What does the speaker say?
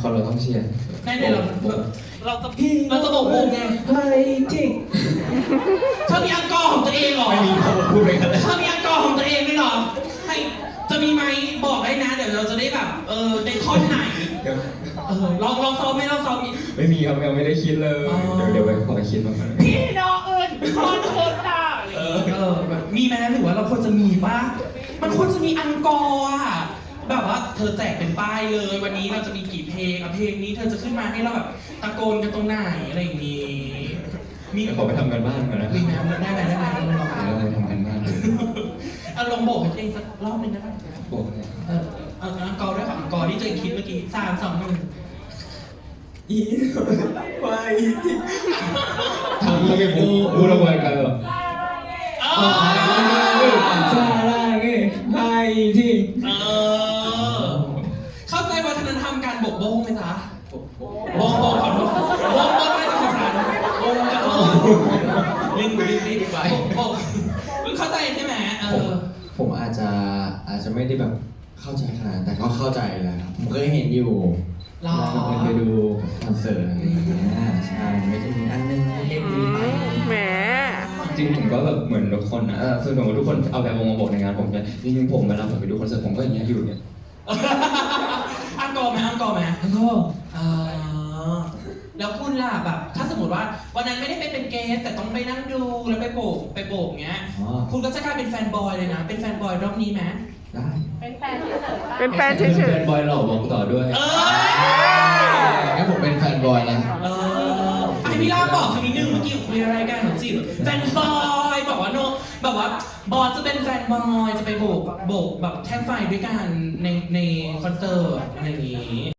เขาเราต้องเชียร์แน่ๆเราจะโบกวงไงไฮ้ทิกเธอมีอังกอร์ของตัวเองเหรอไม่มีเขาพูดไปกันเลยเธอมีอังกอร์ของตัวเองด้วยเหรอให้จะมีไหมบอกได้นะเดี๋ยวเราจะได้แบบในท่อนไหนลองซ้อมไหมลองซ้อมไม่มีครับยังไม่ได้คิดเลย เดี๋ยวไปขอคิดมาก่อนพี่น้องคอนเสิร์ตอ่ะแบบมีไหมหรือว่าเราควรจะมีป่ะมันควรจะมีอังกอร์อ่ะแบบว่าเธอแจกเป็นป้ายเลยวันนี้เราจะมีกี่เพลงเพลงนี้เธอจะขึ้นมาให้เราแบบตะโกนกันตรงไหนอะไรอย่างงี้มีขอไปทำกันบ้านก่อนนะมีน้ำได้ไหมลองเราไปทำกันบ้านดูลองโบกให้ตัวเองสักรอบหนึ่งได้ไหมบอกเนี่ยอังกอร์ด้วยค่ะอังกอร์ที่ตัวเองคิดเมื่อกี้3 2 1 อีไปทิกทำแล้วไปพูดระเบิดกันเหรอซาร่าเก้ไฮ้ทิกเข้าใจวัฒนธรรมการโบกโบงไหมจ๊ะโบงขอโทษโบงไม่ได้ภาษาโบงขอโทษลิ้นไปโบงเข้าใจใช่ไหมผมอาจจะไม่ได้แบบเข้าใจขนาดนั้นแต่ก็เข้าใจแหละครับผมเคยเห็นอยู่เวลาเราเคยดูคอนเสิร์ตอะไรอย่างเงี้ยใช่ไม่จะมีอันนึงเล่มนี้ไปแหมจริงผมก็แบบเหมือนทุกคนนะซึ่งสมมติทุกคนเอาแบบวงมาบอกในงานผมเนี่ยจริงๆผมเวลาผมไปดูคอนเสิร์ตผมก็อย่างเงี้ยอยู่เนี่ยอังกอร์ไหมแล้วก็แล้วคุณล่ะแบบถ้าสมมติว่าวันนั้นไม่ได้ไปเป็นเกสแต่ต้องไปนั่งดูแล้วไปโบกเงี้ยคุณก็จะกลายเป็นแฟนบอยเลยนะเป็นแฟนบอยรอบนี้ไหมได้เป็นแฟนเฉยเป็นบอยหล่อบอกต่อด้วยงั้นผมเป็นแฟนบอยนะไอพี่ล่าบอกคำนี้นึงเมื่อกี้คุยอะไรกันของจีบแฟนบอยบอกว่าโนแบบว่าบอสจะเป็นแฟนบอยจะไปโบกแบบแท่งไฟด้วยกันในคอนเสิร์ตอะไรอย่างงี้